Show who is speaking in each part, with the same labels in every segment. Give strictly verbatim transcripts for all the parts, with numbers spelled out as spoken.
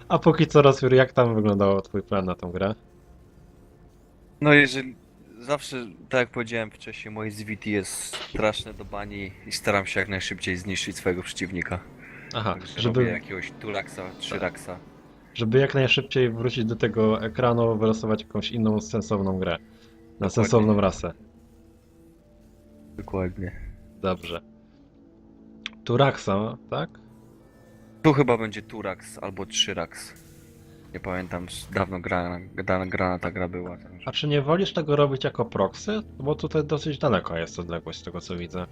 Speaker 1: A póki co, Rosjur, jak tam wyglądał twój plan na tą grę?
Speaker 2: No jeżeli zawsze, tak jak powiedziałem wcześniej, moje Z V T jest straszne do bani i staram się jak najszybciej zniszczyć swojego przeciwnika.
Speaker 1: Aha,
Speaker 2: Także robię
Speaker 1: żeby,
Speaker 2: jakiegoś Turaksa,
Speaker 1: tak,
Speaker 2: Trzyraksa.
Speaker 1: żeby jak najszybciej wrócić do tego ekranu, wylosować jakąś inną sensowną grę. Na
Speaker 2: Dokładnie,
Speaker 1: sensowną rasę.
Speaker 2: dokładnie.
Speaker 1: Dobrze. Turaxa, tak?
Speaker 2: Tu chyba będzie Turax albo Trzyrax. Nie pamiętam, z- dawno grana, grana, grana ta gra była. Także.
Speaker 1: A czy nie wolisz tego robić jako proxy? Bo tutaj dosyć daleko jest odległość z tego co widzę.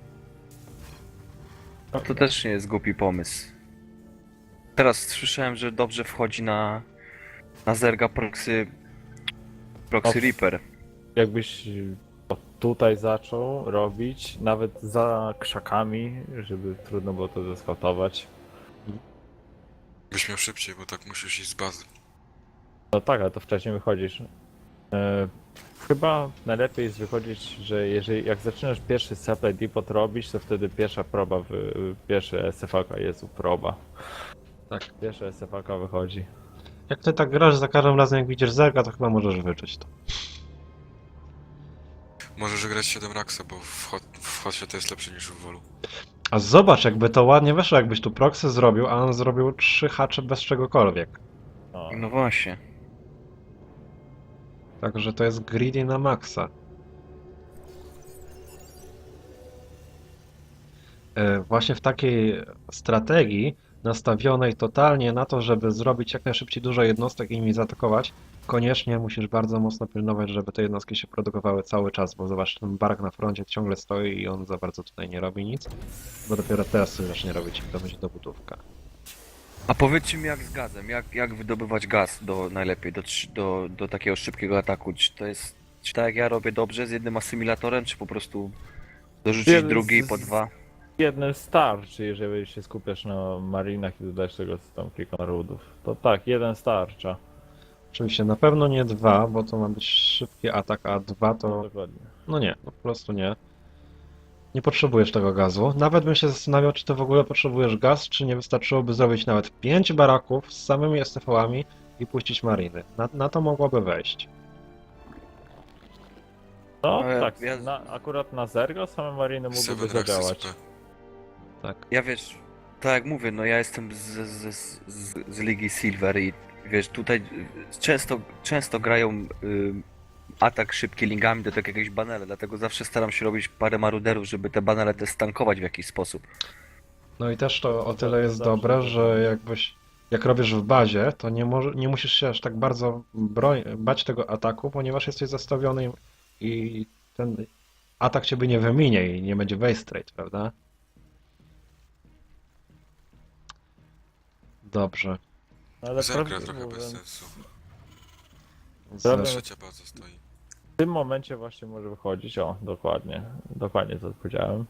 Speaker 2: No to też nie jest głupi pomysł. Teraz słyszałem, że dobrze wchodzi na, na Zerga Proxy, Proxy
Speaker 3: O,
Speaker 2: Reaper.
Speaker 3: Jakbyś to tutaj zaczął robić, nawet za krzakami, żeby trudno było to zeskautować.
Speaker 4: Byś miał szybciej, bo tak musisz iść z bazy.
Speaker 3: No tak, ale to wcześniej wychodzisz. E, chyba najlepiej jest wychodzić, że jeżeli jak zaczynasz pierwszy supply depot robić, to wtedy pierwsza proba, wy, pierwszy S F A K, Jezu, proba.
Speaker 1: Tak.
Speaker 3: Pierwsza S F A K wychodzi.
Speaker 1: Jak ty tak grasz za każdym razem jak widzisz zerga, to chyba możesz wyczuć to.
Speaker 4: Możesz grać siedem raksa, bo w, hot, w hocie to jest lepsze niż w wolu.
Speaker 1: A zobacz, jakby to ładnie weszło, jakbyś tu proxy zrobił, a on zrobił trzy hacze bez czegokolwiek.
Speaker 3: No.
Speaker 2: No właśnie.
Speaker 1: Także to jest greedy na maksa. E, Właśnie w takiej strategii nastawionej totalnie na to, żeby zrobić jak najszybciej dużo jednostek i nimi zaatakować, koniecznie musisz bardzo mocno pilnować, żeby te jednostki się produkowały cały czas, bo zobacz, ten bark na froncie ciągle stoi i on za bardzo tutaj nie robi nic, bo dopiero teraz coś zacznie robić i to będzie dobudówka.
Speaker 2: A powiedzcie mi jak z gazem, jak, jak wydobywać gaz do najlepiej, do, trzy- do, do takiego szybkiego ataku? Czy to jest, czy tak jak ja robię dobrze z jednym asymilatorem, czy po prostu dorzucić
Speaker 3: Jeden
Speaker 2: drugi
Speaker 3: z-
Speaker 2: po dwa?
Speaker 3: Jednym starczy, jeżeli się skupiasz na marinach i dodajesz tego tam kilka rudów. To tak, jeden starcza.
Speaker 1: Oczywiście na pewno nie dwa, bo to ma być szybki atak, a dwa
Speaker 3: No
Speaker 1: to...
Speaker 3: dokładnie.
Speaker 1: no nie, no po prostu nie. Nie potrzebujesz tego gazu. Nawet bym się zastanawiał, czy ty w ogóle potrzebujesz gaz, czy nie wystarczyłoby zrobić nawet pięć baraków z samymi S T V-ami i puścić mariny. Na, na to mogłoby wejść.
Speaker 3: No
Speaker 2: No, ja-
Speaker 3: tak,
Speaker 2: ja-
Speaker 3: na, akurat na Zergo same mariny mogłyby
Speaker 4: siedem raksy
Speaker 3: zadziałać.
Speaker 4: S P.
Speaker 1: Tak.
Speaker 2: Ja wiesz, tak jak mówię, no ja jestem z, z, z, z, z Ligi Silver i wiesz, tutaj y, często, często grają y, atak szybki lingami do tak jakiegoś banela, dlatego zawsze staram się robić parę maruderów, żeby te banele te stankować w jakiś sposób.
Speaker 1: No i też to o
Speaker 3: To
Speaker 1: tyle jest
Speaker 3: zawsze
Speaker 1: dobre,
Speaker 3: tak
Speaker 1: że
Speaker 3: jest.
Speaker 1: jakbyś, jak robisz w bazie, to nie, może, nie musisz się aż tak bardzo broń, bać tego ataku, ponieważ jesteś zastawiony i ten atak ciebie nie wyminie i nie będzie waste rate, prawda? Dobrze.
Speaker 3: No, ale
Speaker 4: Zergra
Speaker 3: prawdę
Speaker 4: trochę bez
Speaker 3: mówiąc,
Speaker 4: sensu.
Speaker 3: Prawda-
Speaker 4: Trzecia baza stoi.
Speaker 3: w tym momencie właśnie może wychodzić, o, dokładnie, dokładnie to powiedziałem.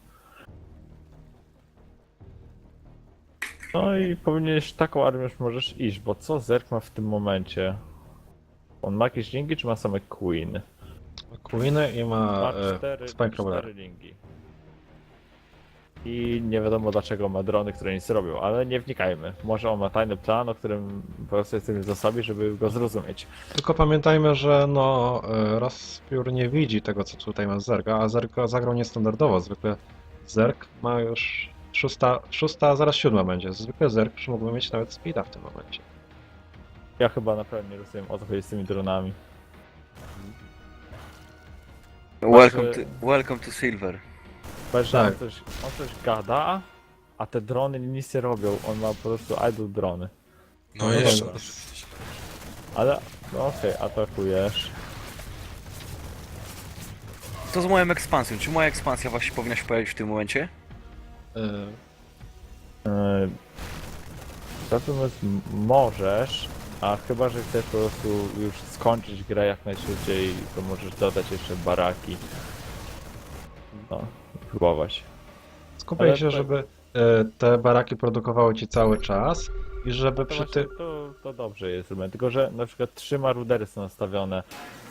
Speaker 3: No i powinieneś taką armię już możesz iść, bo co Zerg ma w tym momencie? On ma jakieś linki, czy ma same Queen?
Speaker 1: Queeny i ma
Speaker 3: Ma
Speaker 1: e,
Speaker 3: cztery,
Speaker 1: Spine
Speaker 3: cztery
Speaker 1: Crawler.
Speaker 3: linki. I nie wiadomo dlaczego ma drony, które nic robią, ale nie wnikajmy. Może on ma tajny plan, o którym po prostu jesteśmy zasobni, żeby go zrozumieć.
Speaker 1: Tylko pamiętajmy, że no e, Rozpiór nie widzi tego, co tutaj ma Zerga, a Zerg zagrał niestandardowo. Zwykle Zerg ma już szósta, szósta, a zaraz siódma będzie. Zwykle Zerg już mógłby mieć nawet speeda w tym momencie.
Speaker 3: Ja chyba naprawdę nie rozumiem o co chodzi z tymi dronami.
Speaker 2: Welcome to, welcome to Silver.
Speaker 3: Patrz, że
Speaker 1: Tak.
Speaker 3: on, coś, on coś gada, a te drony nic nie robią. On ma po prostu idle drony.
Speaker 4: No,
Speaker 1: No
Speaker 4: jeszcze
Speaker 1: dobra.
Speaker 4: może być źle.
Speaker 3: Ale, no okej, atakujesz.
Speaker 2: Co z moją ekspansją? Czy moja ekspansja właśnie powinna się pojawić w tym momencie?
Speaker 1: E,
Speaker 3: Yy, Natomiast m- możesz, a chyba, że chcesz po prostu już skończyć grę jak najszybciej, to możesz dodać jeszcze baraki. No, próbować.
Speaker 1: Skupiaj
Speaker 3: Ale
Speaker 1: się,
Speaker 3: to-
Speaker 1: żeby e, te baraki produkowały ci cały czas i żeby
Speaker 3: To,
Speaker 1: przy
Speaker 3: właśnie,
Speaker 1: tym...
Speaker 3: to, to dobrze jest zrobione, tylko że na przykład trzy marudery są nastawione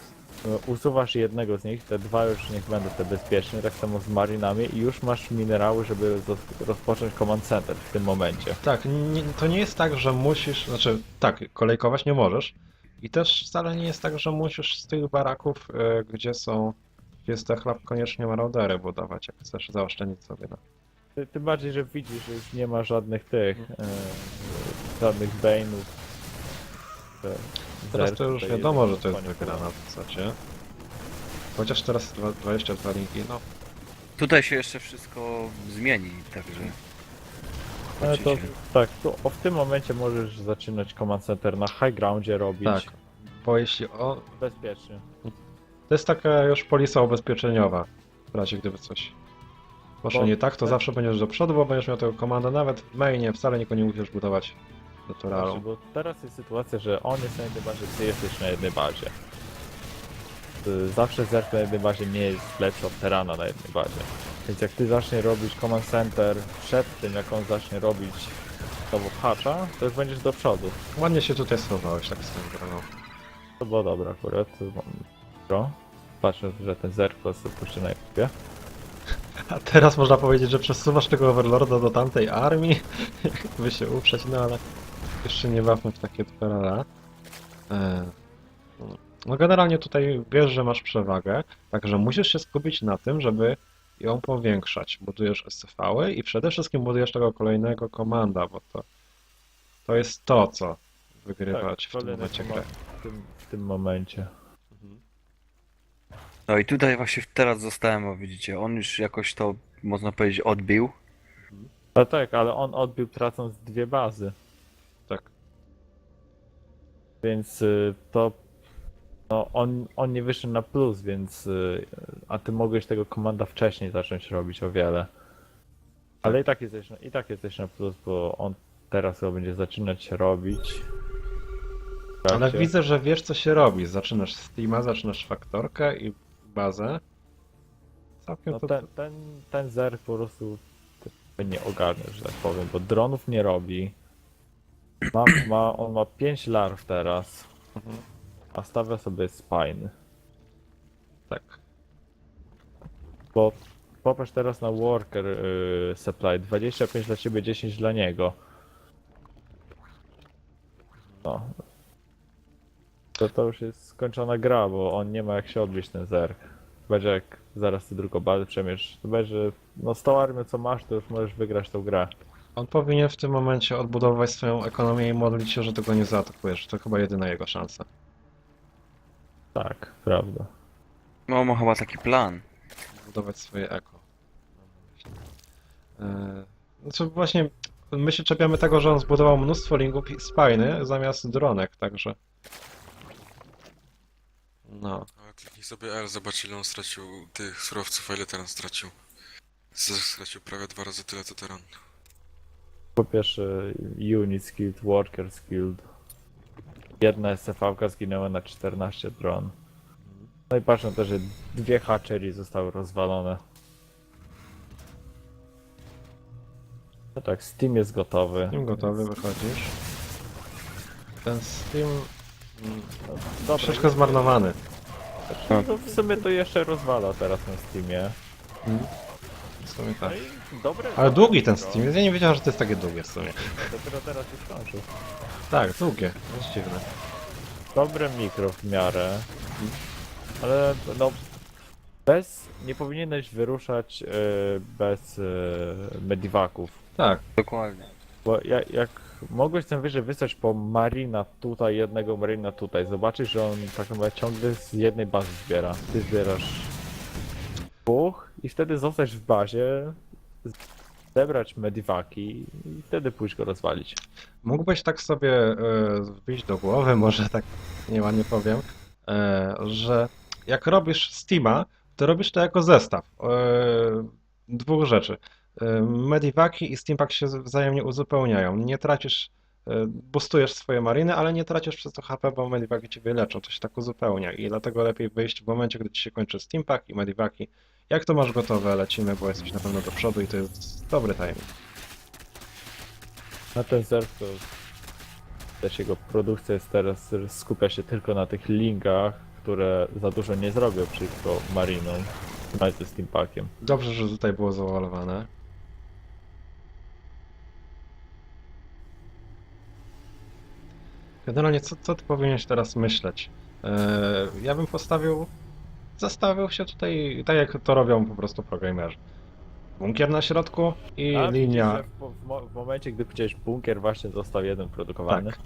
Speaker 3: e, usuwasz jednego z nich, te dwa już niech będą te bezpieczne, tak samo z marinami i już masz minerały, żeby zo- rozpocząć command center w tym momencie.
Speaker 1: Tak, nie, to nie jest tak, że musisz, znaczy tak, kolejkować nie możesz. I też wcale nie jest tak, że musisz z tych baraków, e, gdzie są, gdzie jest chleb, koniecznie maraudery budować, jak chcesz zaoszczędzić sobie na...
Speaker 3: Ty- Tym bardziej, że widzisz, że już nie ma żadnych tych, e, żadnych Bane'ów. Te
Speaker 1: Teraz
Speaker 3: zerki
Speaker 1: to już
Speaker 3: tutaj
Speaker 1: wiadomo, że
Speaker 3: jeden
Speaker 1: to jest
Speaker 3: koniec.
Speaker 1: wygrana w zasadzie. Chociaż teraz dwa- dwadzieścia dwa linki, no
Speaker 2: Tutaj się jeszcze wszystko zmieni, także...
Speaker 3: Ale to
Speaker 2: zobaczycie.
Speaker 3: tak, to o, w tym momencie możesz zaczynać command center na high groundzie robić.
Speaker 1: tak. Bo jeśli o...
Speaker 3: Bezpiecznie.
Speaker 1: To jest taka już polisa ubezpieczeniowa, w razie gdyby coś poszło
Speaker 3: Bo-
Speaker 1: nie tak, to
Speaker 3: tak.
Speaker 1: zawsze będziesz do przodu, bo będziesz miał tego komandę, nawet w mainie wcale nikogo nie musisz budować
Speaker 3: Znaczy,
Speaker 1: naturalną.
Speaker 3: bo teraz jest sytuacja, że on jest na jednej bazie, ty jesteś na jednej bazie. Y, Zawsze zerk na jednej bazie nie jest lepszy od Terana na jednej bazie. Więc jak ty zaczniesz robić command center przed tym, jak on zacznie robić znowu patcha, to już będziesz do przodu.
Speaker 1: Ładnie się tutaj schowałeś, tak swoją drogą.
Speaker 3: To było dobre akurat. to mam- Pro. Patrzę, że ten zerk po prostu puszczy na YouTubie.
Speaker 1: A teraz można powiedzieć, że przesuwasz tego Overlorda do tamtej armii, by się uprzeć, no ale jeszcze nie bawmy w takie twarala. E, No generalnie tutaj wiesz, że masz przewagę, także musisz się skupić na tym, żeby ją powiększać. Budujesz S C V-y i przede wszystkim budujesz tego kolejnego komanda, bo to, to jest to, co wygrywać w tym
Speaker 3: kolejny
Speaker 1: momencie grę.
Speaker 3: temat w tym, w tym momencie.
Speaker 2: No i tutaj właśnie teraz zostałem, bo widzicie, on już jakoś to, można powiedzieć, odbił.
Speaker 3: No tak, ale on odbił tracąc dwie bazy.
Speaker 1: Tak.
Speaker 3: Więc y, to. No, on, on nie wyszedł na plus, więc. Y, a ty mogłeś tego komanda wcześniej zacząć robić o wiele. Ale i tak jesteś, na- i tak jesteś na plus, bo on teraz chyba będzie zaczynać robić. W
Speaker 1: Ale
Speaker 3: trakcie.
Speaker 1: widzę, że wiesz, co się robi. Zaczynasz Steama, zaczynasz faktorkę i bazę. Całkiem
Speaker 3: No
Speaker 1: to...
Speaker 3: ten, ten, ten zer po prostu ty nie ogarnia, że tak powiem, bo dronów nie robi. Ma, ma, on ma pięć larw teraz,
Speaker 1: Mhm.
Speaker 3: a stawia sobie spine.
Speaker 1: Tak.
Speaker 3: Bo popatrz teraz na worker yy, supply, dwadzieścia pięć dla ciebie, dziesięć dla niego. No. To, to już jest skończona gra, bo on nie ma jak się odbić ten zerk. Będzie jak zaraz ty drugą bazę przemierz, to będzie, no z tą armią co masz, to już możesz wygrać tą grę.
Speaker 1: On powinien w tym momencie odbudować swoją ekonomię i modlić się, że tego nie zaatakujesz. To chyba jedyna jego szansa.
Speaker 3: Tak, prawda.
Speaker 2: No, ma chyba taki plan.
Speaker 1: Budować swoje eko. Eee, Znaczy właśnie my się czepiamy tego, że on zbudował mnóstwo lingów i spiny zamiast dronek, także... No.
Speaker 4: Ale kliknij sobie L, zobacz ile on stracił tych surowców, a ile teraz stracił. Z- Stracił prawie dwa razy tyle co Teran.
Speaker 3: Po pierwsze unit skilled, worker skilled. Jedna S C V-ka zginęła na czternaście dron. No i patrzę na to, że dwie hatchery zostały rozwalone. No tak, Steam jest gotowy.
Speaker 1: Steam gotowy, wychodzisz. Ten Steam... mm,
Speaker 3: No, dobra,
Speaker 1: Troszeczkę zmarnowany.
Speaker 3: no, w sumie to jeszcze rozwala teraz na Steamie.
Speaker 1: W sumie tak.
Speaker 3: No i dobre.
Speaker 1: Ale długi ten
Speaker 3: dobre,
Speaker 1: Steam jest, ja nie wiedziałem, że to jest takie długie w sumie.
Speaker 3: no, Dopiero teraz już skończył.
Speaker 1: Tak, długie, to jest dziwne.
Speaker 3: Dobre mikro w miarę. Ale no. Bez. Nie powinieneś wyruszać y, bez y, medivaków.
Speaker 1: Tak,
Speaker 2: Dokładnie.
Speaker 3: Bo jak, jak mogłeś tam wyżej wysłać po marina tutaj, jednego marina tutaj, zobaczysz, że on tak naprawdę ciągle z jednej bazy zbiera. Ty zbierasz dwóch i wtedy zostać w bazie, zebrać medivaki i wtedy pójść go rozwalić.
Speaker 1: mógłbyś tak sobie e, wbić do głowy, może tak nieładnie powiem, e, że jak robisz Steama, to robisz to jako zestaw e, dwóch rzeczy. E, Medivaki i Steampack się wzajemnie uzupełniają. Nie tracisz, e, boostujesz swoje mariny, ale nie tracisz przez to H P, bo Medivaki ciebie leczą. To się tak uzupełnia i dlatego lepiej wyjść w momencie, gdy ci się kończy Steampack i Medivaki. Jak to masz gotowe, lecimy, bo jesteś na pewno do przodu i to jest dobry timing.
Speaker 3: Na ten zerk to też jego produkcja jest teraz, skupia się tylko na tych linkach, które za dużo nie zrobią przeciwko Marinom, nawet ze Steampackiem.
Speaker 1: Dobrze, że tutaj było zawalowane. Generalnie, co, co ty powinieneś teraz myśleć? Eee, ja bym postawił, zastawił się tutaj, tak jak to robią po prostu programerzy. Bunkier na środku i
Speaker 3: A widzisz,
Speaker 1: linia.
Speaker 3: że w, w, mo- w momencie, gdy chciałeś bunkier, właśnie został jeden produkowany.
Speaker 1: Tak.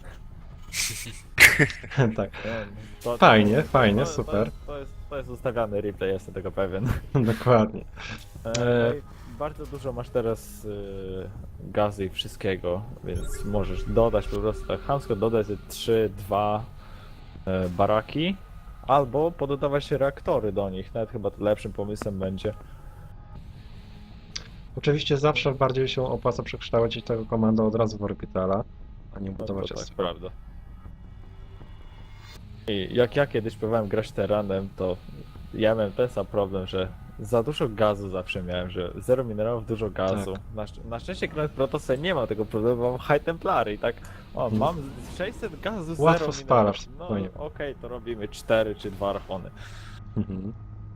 Speaker 1: Tak,
Speaker 3: Nie, to-
Speaker 1: Fajnie,
Speaker 3: to-
Speaker 1: fajnie,
Speaker 3: to-
Speaker 1: super.
Speaker 3: To jest, to, jest, to jest ustawiany replay, jestem tego pewien.
Speaker 1: dokładnie.
Speaker 3: E,
Speaker 1: E,
Speaker 3: no i bardzo dużo masz teraz y, gazy i wszystkiego, więc możesz dodać po prostu tak chamsko, dodać trzy, dwa e, baraki, albo pododawać reaktory do nich, nawet chyba to lepszym pomysłem będzie.
Speaker 1: Oczywiście zawsze bardziej się opłaca przekształcić tego komanda od razu w orbitala, a nie
Speaker 3: No,
Speaker 1: budować
Speaker 3: to tak,
Speaker 1: S C V.
Speaker 3: prawda. I jak ja kiedyś próbowałem grać teranem, to ja miałem ten sam problem, że za dużo gazu zawsze miałem, że zero minerałów, dużo gazu.
Speaker 1: Tak.
Speaker 3: Na, szcz- na szczęście grając Protosem nie ma tego problemu, bo mam High Templary i tak, o,
Speaker 1: Mhm.
Speaker 3: mam sześćset gazu, zero
Speaker 1: Łatwo
Speaker 3: minerałów.
Speaker 1: spalasz,
Speaker 3: No
Speaker 1: spokojnie.
Speaker 3: okej, to robimy cztery czy dwa archony.
Speaker 1: Mhm.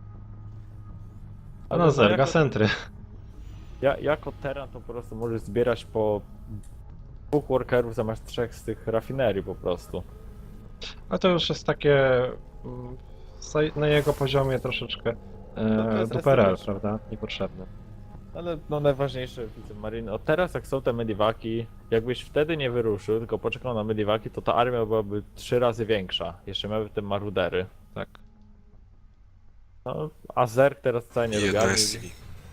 Speaker 1: A
Speaker 3: Ale
Speaker 1: no zerga
Speaker 3: jako-
Speaker 1: centry.
Speaker 3: Ja, jako teran to po prostu możesz zbierać po dwóch workerów zamiast trzech z tych rafinerii po prostu.
Speaker 1: A to już jest takie mm, sa- na jego poziomie troszeczkę
Speaker 3: to
Speaker 1: e,
Speaker 3: jest
Speaker 1: duperel,
Speaker 3: estetyczne.
Speaker 1: prawda? Niepotrzebne.
Speaker 3: Ale no najważniejsze, widzę Marine, od teraz jak są te mediwaki, jakbyś wtedy nie wyruszył, tylko poczekał na mediwaki, to ta armia byłaby trzy razy większa. Jeszcze miały te marudery.
Speaker 1: Tak.
Speaker 3: No, a Zerg teraz wcale nie
Speaker 4: I
Speaker 3: lubi
Speaker 4: jedno
Speaker 3: armii,
Speaker 4: S C V.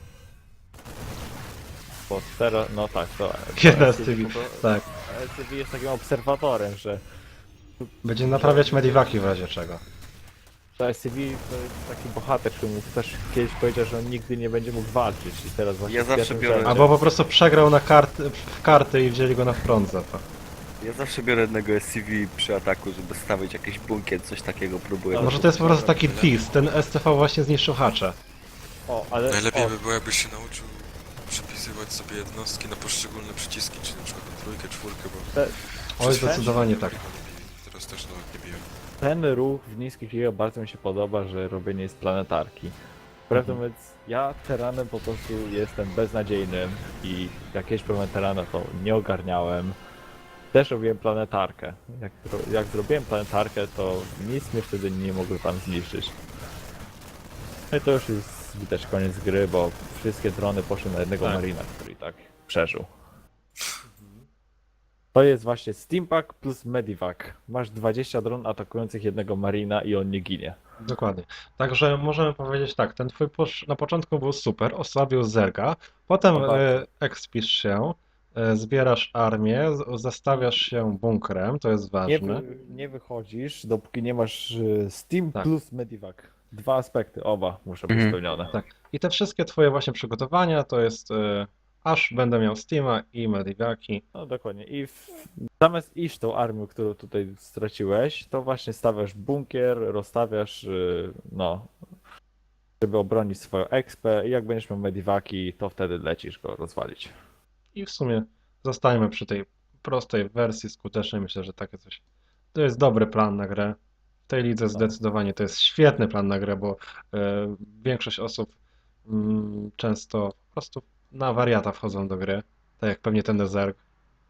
Speaker 3: bo teraz, no tak, to...
Speaker 1: Jedna
Speaker 3: to
Speaker 1: z tych,
Speaker 3: to-
Speaker 1: tak.
Speaker 3: S C V jest takim obserwatorem, że
Speaker 1: Będzie naprawiać mediwaki w razie czego.
Speaker 3: to S C V to jest taki bohater, który mu też kiedyś powiedział, że on nigdy nie będzie mógł walczyć i teraz właśnie
Speaker 2: Ja
Speaker 3: z
Speaker 2: zawsze
Speaker 3: pierwszym
Speaker 2: biorę-
Speaker 3: rzędzie-
Speaker 1: Albo po prostu przegrał na karty, w karty i wzięli go na front za to.
Speaker 2: Ja zawsze biorę jednego S C V przy ataku, żeby stawić jakiś bunkier, coś takiego próbuję.
Speaker 1: Może to jest po prostu taki twist, ten S C V właśnie zniszczył hacze.
Speaker 3: O, ale...
Speaker 4: Najlepiej
Speaker 3: o,
Speaker 4: by było, jakbyś się nauczył przypisywać sobie jednostki na poszczególne przyciski, czyli na przykład na trójkę, czwórkę, bo
Speaker 3: te,
Speaker 1: Oj, zdecydowanie tak.
Speaker 4: teraz też nawet nie biłem.
Speaker 3: Ten ruch w niskich ligach bardzo mi się podoba, że robienie jest planetarki. Prawdę
Speaker 1: Mhm.
Speaker 3: mówiąc, ja teranem po prostu jestem beznadziejnym i jak kiedyś byłem teranem, to nie ogarniałem. Też robiłem planetarkę. Jak, ro- jak zrobiłem planetarkę, to nic mnie wtedy nie mogły tam zniszczyć. No i to już jest widać koniec gry, bo wszystkie drony poszły na jednego
Speaker 1: Tak.
Speaker 3: marina, który i tak przeżył. To jest właśnie Steampack plus Medivac. Masz dwadzieścia dron atakujących jednego marina i on nie ginie.
Speaker 1: Dokładnie. Także możemy powiedzieć tak, ten twój push na początku był super, osłabił Zerga, potem
Speaker 3: No bardzo.
Speaker 1: e, ekspisz się, e, zbierasz armię, z- zastawiasz się bunkrem, to jest
Speaker 3: Nie,
Speaker 1: ważne.
Speaker 3: wy, nie wychodzisz, dopóki nie masz y, Steam
Speaker 1: Tak.
Speaker 3: plus Medivac. Dwa aspekty, oba muszą być
Speaker 2: Mhm.
Speaker 3: spełnione.
Speaker 1: Tak. I te wszystkie twoje właśnie przygotowania to jest e, aż będę miał Steama i Medivaki.
Speaker 3: No dokładnie. I w, zamiast iść tą armią, którą tutaj straciłeś, to właśnie stawiasz bunkier, rozstawiasz, y, no, żeby obronić swoją expę i jak będziesz miał Medivaki, to wtedy lecisz go rozwalić.
Speaker 1: I w sumie zostańmy przy tej prostej wersji skutecznej. Myślę, że takie coś. To jest dobry plan na grę. W tej lidze zdecydowanie to jest świetny plan na grę, bo e, większość osób mm, często po prostu na wariata wchodzą do gry. Tak jak pewnie ten Zerg.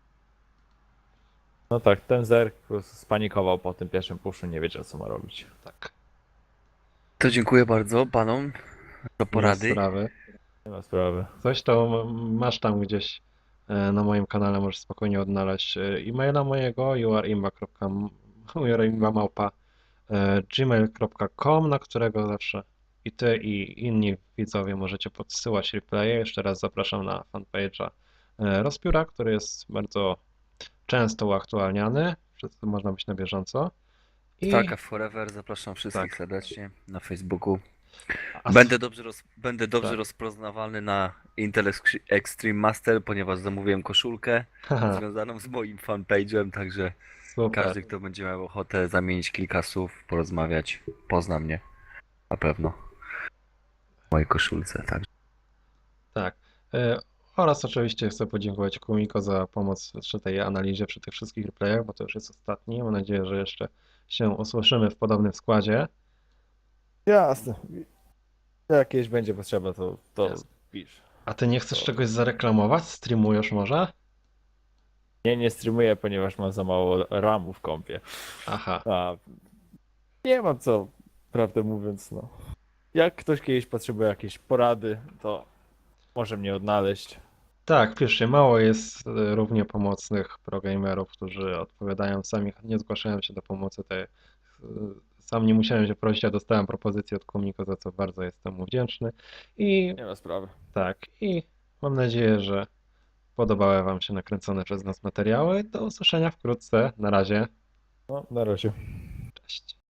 Speaker 3: No tak, ten Zerg po prostu spanikował po tym pierwszym puszu, nie wiedział co ma robić.
Speaker 1: Tak.
Speaker 2: To dziękuję bardzo panom za
Speaker 1: Nie ma
Speaker 2: porady.
Speaker 1: sprawy.
Speaker 3: Nie ma sprawy.
Speaker 1: Coś to m- masz tam gdzieś e, na moim kanale, możesz spokojnie odnaleźć e, e-maila mojego youareimba.małpa gmail kropka com, na którego zawsze i ty, i inni widzowie możecie podsyłać replaye. Jeszcze raz zapraszam na fanpage'a e, Rozpióra, który jest bardzo często uaktualniany. Wszyscy można być na bieżąco. I
Speaker 2: Taka Forever, zapraszam wszystkich
Speaker 1: Tak.
Speaker 2: serdecznie na Facebooku.
Speaker 1: a-
Speaker 2: Będę dobrze, roz, będę dobrze
Speaker 1: Tak.
Speaker 2: rozpoznawalny na Intel Ex- Extreme Master, ponieważ zamówiłem koszulkę
Speaker 1: Haha,
Speaker 2: związaną z moim fanpage'em, także
Speaker 1: super.
Speaker 2: każdy, kto będzie miał ochotę zamienić kilka słów, porozmawiać, pozna mnie. Na pewno. W mojej koszulce, także.
Speaker 1: Tak. E, Oraz oczywiście chcę podziękować Kumiko za pomoc przy tej analizie, przy tych wszystkich replayach, bo to już jest ostatni. Mam nadzieję, że jeszcze się usłyszymy w podobnym składzie.
Speaker 3: Jasne. Jak jakieś będzie potrzeba, to, to
Speaker 1: Jasne.
Speaker 3: pisz.
Speaker 1: A ty nie chcesz
Speaker 3: To-
Speaker 1: czegoś zareklamować? Streamujesz może?
Speaker 3: Nie, nie streamuję, ponieważ mam za mało ramu w kompie.
Speaker 1: Aha.
Speaker 3: A nie mam co, prawdę mówiąc, no. Jak ktoś kiedyś potrzebuje jakiejś porady, to może mnie odnaleźć.
Speaker 1: Tak, piszcie, mało jest e, równie pomocnych progamerów, którzy odpowiadają sami, nie zgłaszają się do pomocy. Tej, e, sam nie musiałem się prosić, a dostałem propozycję od Kumiko, za co bardzo jestem mu wdzięczny. I
Speaker 3: Nie ma sprawy.
Speaker 1: tak, i mam nadzieję, że podobały Wam się nakręcone przez nas materiały. Do usłyszenia wkrótce. Na razie.
Speaker 3: No, na razie.
Speaker 1: Cześć.